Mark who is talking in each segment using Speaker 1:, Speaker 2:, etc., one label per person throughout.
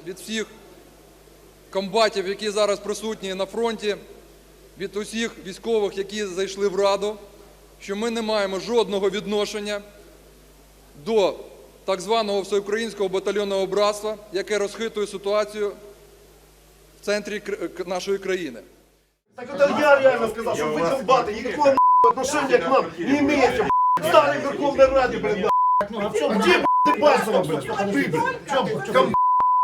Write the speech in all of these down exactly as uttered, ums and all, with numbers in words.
Speaker 1: від всіх комбатів, які зараз присутні на фронті, від усіх військових, які зайшли в Раду, що ми не маємо жодного відношення до так званого всеукраїнського батальйонного братства, яке розхитує ситуацію в центрі нашої країни.
Speaker 2: Так это я реально сказал, что вы комбаты никакого отношения к нам не имеете, в старой Верховной Раде, блин, где, ты Басова, блин, ты, блин,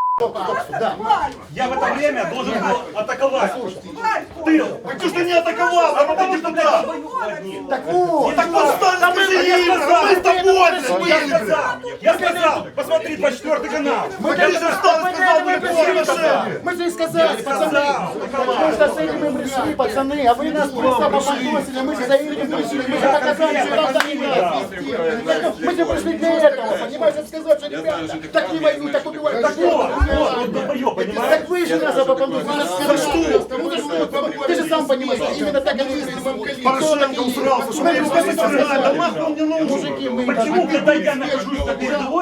Speaker 3: Я в это время должен был атаковать. Ты!
Speaker 2: так ты же не атаковал, а потом депутат.
Speaker 3: Так вот!
Speaker 2: Так вот стали, скажи им, мы с тобой, блин, были, блин.
Speaker 3: Я сказал, посмотри двадцать четвёртый канал.
Speaker 2: Мы, конечно, встал и сказал, мы приглашение.
Speaker 4: Мы же и сказали, пацаны, потому что с этим мы пришли, пацаны, а вы нас просто попадосили, мы же за этим пришли, мы же показали, что нам так не надо. Мы же пришли для этого, понимаете, сказать, что ребята, так не воюют, так убивают, так вот,
Speaker 3: понимаешь?
Speaker 4: так вы же нас попадосили, за что? Ну за что? Ты же сам понимаешь, что именно так они пришли.
Speaker 2: Порошенко усрался, что мы его сказали, да нахуй он не нужен.
Speaker 4: Мужики, мы...
Speaker 3: Почему, когда я нахожусь на передовой,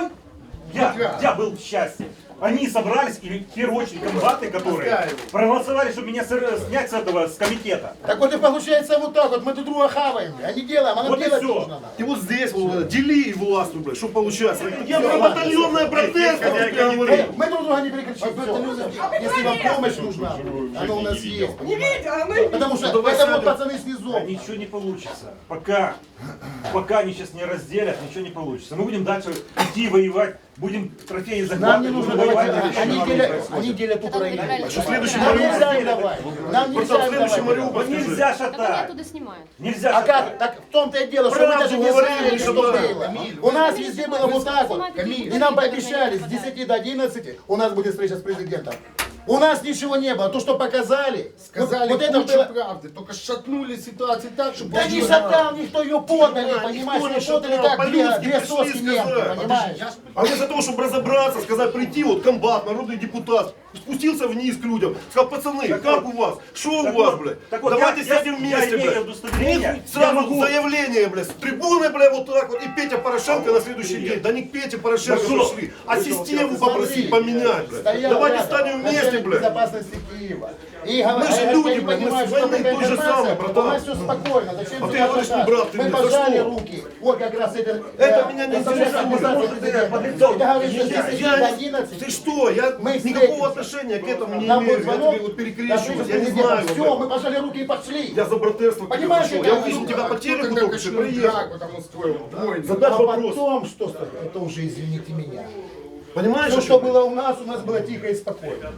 Speaker 3: я, я был в счастье. Они собрались, и в первую очередь комбаты, которые проголосовали, чтобы меня снять с этого, с комитета.
Speaker 4: Так вот и получается вот так вот, мы друг друга хаваем, а не делаем, а нам
Speaker 3: Вот и
Speaker 4: делать
Speaker 3: все.
Speaker 4: нужно.
Speaker 2: И вот здесь, вот, дели и властвуй, блядь, что получается. Я про батальонное братерство тебе говорю.
Speaker 4: Мы друг друга не перекричим. Если вам помощь нужна, она у нас есть.
Speaker 5: Не видите, а мы...
Speaker 4: Потому что это вот пацаны снизу.
Speaker 3: Ничего не получится. Пока, пока они сейчас не разделят, ничего не получится. Мы будем дальше идти воевать, будем трофеи
Speaker 4: Нам
Speaker 3: захватывать.
Speaker 4: не нужно
Speaker 3: будем
Speaker 4: давать,
Speaker 3: воевать.
Speaker 4: они делят, они делят Украину.
Speaker 2: Что следующий
Speaker 4: Нам
Speaker 2: Мариуполь?
Speaker 4: нельзя им давать. Нам нельзя им
Speaker 2: Следующий
Speaker 4: давать.
Speaker 2: Мариуполь,
Speaker 3: Ну,
Speaker 2: скажи.
Speaker 3: нельзя
Speaker 6: Так они
Speaker 3: шатать.
Speaker 6: оттуда снимают.
Speaker 3: Нельзя
Speaker 4: А
Speaker 3: шатать.
Speaker 4: как? Так в том-то и дело, что мы
Speaker 2: Правду
Speaker 4: даже не
Speaker 2: говорили,
Speaker 4: знали,
Speaker 2: что
Speaker 4: что
Speaker 2: да.
Speaker 4: было. У нас везде было вот так вот. И нам пообещали с десяти до одиннадцати у нас будет встреча с президентом. У нас ничего не было. То, что показали,
Speaker 7: Сказали
Speaker 4: вот это
Speaker 7: кучу
Speaker 4: было...
Speaker 7: правды, только шатнули ситуацию так, чтобы...
Speaker 4: Да не шатал никто, ее подали, понимаешь,
Speaker 2: никто не
Speaker 4: ее подали
Speaker 2: шатал,
Speaker 4: как две,
Speaker 2: по-людски
Speaker 4: две
Speaker 2: пришли
Speaker 4: соски немцы,
Speaker 2: сказать.
Speaker 4: понимаешь?
Speaker 2: А вместо того, чтобы разобраться, сказать, прийти, вот комбат, народный депутат, спустился вниз к людям, сказал, пацаны,
Speaker 3: Так
Speaker 2: как
Speaker 3: вот,
Speaker 2: у вас? Что у
Speaker 3: так
Speaker 2: вас,
Speaker 3: вот,
Speaker 2: блядь?
Speaker 3: так вот,
Speaker 2: Давайте
Speaker 3: я-
Speaker 2: сядем
Speaker 3: я-
Speaker 2: вместе,
Speaker 3: я имею
Speaker 2: блядь.
Speaker 3: удостоверение,
Speaker 2: Нет, сразу
Speaker 3: я могу-
Speaker 2: заявление, блядь, с трибуны, блядь, вот так вот, и Петя Порошенко на следующий день. Да не к Пете Порошенко
Speaker 3: Да что?
Speaker 2: пришли, а систему
Speaker 4: Смотри,
Speaker 2: попросить поменять, блядь.
Speaker 4: стоял
Speaker 2: Давайте
Speaker 4: рядом
Speaker 2: станем вместе,
Speaker 4: начальник
Speaker 2: блядь.
Speaker 4: безопасности Киева. И
Speaker 2: Мы
Speaker 4: говорят,
Speaker 2: же
Speaker 4: я
Speaker 2: люди,
Speaker 4: не
Speaker 2: блядь, мы
Speaker 4: понимаю,
Speaker 2: с
Speaker 4: что
Speaker 2: войны
Speaker 4: такая
Speaker 2: то же
Speaker 4: информация.
Speaker 2: самое, братан.
Speaker 4: У нас все спокойно. Зачем
Speaker 2: А ты
Speaker 4: сюда
Speaker 2: говоришь,
Speaker 4: пускать?
Speaker 2: не брат, ты
Speaker 4: Мы
Speaker 2: мне, за
Speaker 4: пожали
Speaker 2: что?
Speaker 4: руки. Вот как раз это...
Speaker 2: Это меня не интересует.
Speaker 4: Ты говоришь, что с десяти
Speaker 2: Я
Speaker 4: до
Speaker 2: не-
Speaker 4: одиннадцати.
Speaker 2: Ты что? Я
Speaker 4: Мы
Speaker 2: никакого
Speaker 4: встретимся.
Speaker 2: отношения к этому не
Speaker 4: Нам
Speaker 2: имею.
Speaker 4: был
Speaker 2: Я
Speaker 4: звонок,
Speaker 2: тебе вот перекрещиваюсь, я не
Speaker 4: все,
Speaker 2: знаю.
Speaker 4: мы
Speaker 2: блядь.
Speaker 4: пожали руки и пошли.
Speaker 2: Я за братерство
Speaker 4: Понимаешь,
Speaker 2: пришел.
Speaker 4: это
Speaker 2: Я увидел тебя по телеку только что, приехал.
Speaker 7: потому устроил войну.
Speaker 2: Задать
Speaker 4: А
Speaker 2: вопрос.
Speaker 4: потом, что это уже, извините меня.
Speaker 2: Понимаешь?
Speaker 4: Все,
Speaker 2: о
Speaker 4: что
Speaker 2: чем?
Speaker 4: было у нас, у нас было тихо и спокойно.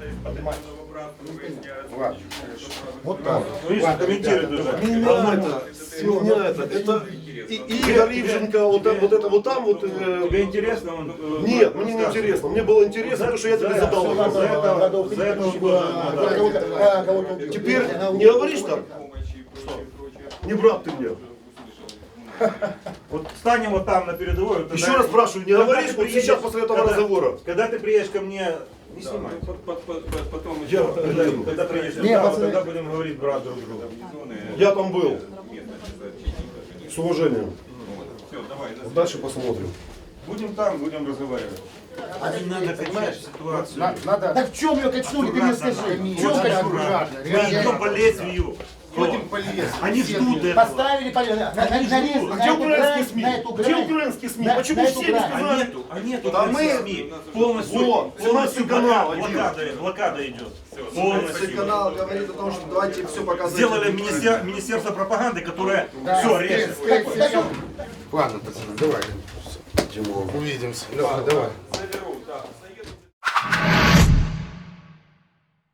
Speaker 4: Вот так.
Speaker 3: Ну, видишь, комментируют уже.
Speaker 2: Меня это, меня это, это и Игорь Ивченко, вот, это- вот это вот там вот. э,
Speaker 3: Тебе интересно? Он, э,
Speaker 2: Нет, мне не
Speaker 3: рассказывает?
Speaker 2: интересно. Мне было интересно, потому что я тебе
Speaker 3: За-
Speaker 2: задал
Speaker 3: за-
Speaker 2: вопрос.
Speaker 3: за это- за это он тоже, ну, да.
Speaker 2: Теперь не говоришь так? Не брат ты мне.
Speaker 3: Вот встанем вот там на передовой. вот
Speaker 2: Еще
Speaker 3: тогда-
Speaker 2: раз спрашиваю, не
Speaker 3: когда
Speaker 2: говоришь,
Speaker 3: ты
Speaker 2: вот
Speaker 3: приедешь-
Speaker 2: сейчас после этого
Speaker 3: когда-
Speaker 2: разговора?
Speaker 3: Когда ты приедешь ко мне, не снимай.
Speaker 8: Потом
Speaker 2: Я,
Speaker 3: Когда, когда приедешь,
Speaker 4: Не,
Speaker 3: да, вот
Speaker 4: пацаны.
Speaker 3: тогда будем говорить брат друг другу.
Speaker 2: я там был. С уважением. Вот дальше посмотрим.
Speaker 3: Будем там, будем разговаривать. Надо, понимаешь, ситуацию.
Speaker 7: Надо...
Speaker 4: Так в чем ее качнули, ты мне скажи? В чем
Speaker 3: Очень
Speaker 4: качнули?
Speaker 3: аккуратно. Мы идем по лезвию.
Speaker 7: Ходим по лесу.
Speaker 3: Они ждут этого.
Speaker 4: Поставили по- на, на, на,
Speaker 3: Они
Speaker 4: на,
Speaker 3: ждут.
Speaker 4: на
Speaker 2: Где
Speaker 4: эту
Speaker 2: украинские
Speaker 4: грань,
Speaker 2: СМИ?
Speaker 4: на эту
Speaker 2: Где
Speaker 4: грань.
Speaker 2: украинские СМИ?
Speaker 4: На-
Speaker 2: Почему
Speaker 4: на
Speaker 2: все
Speaker 4: эту
Speaker 2: не
Speaker 4: грань.
Speaker 3: А
Speaker 2: сказали?
Speaker 3: нету, а нету
Speaker 2: Да
Speaker 3: украинских
Speaker 2: мы-
Speaker 3: СМИ. Полностью,
Speaker 2: Вот,
Speaker 3: полностью
Speaker 2: канал
Speaker 3: блокада,
Speaker 2: один.
Speaker 3: блокада, блокада идет. Полностью.
Speaker 9: Канал говорит о том, что давайте все показывать.
Speaker 3: Сделали министер- министерство пропаганды, которое все режет.
Speaker 7: Ладно, пацаны, давай. Увидимся. Леха, давай.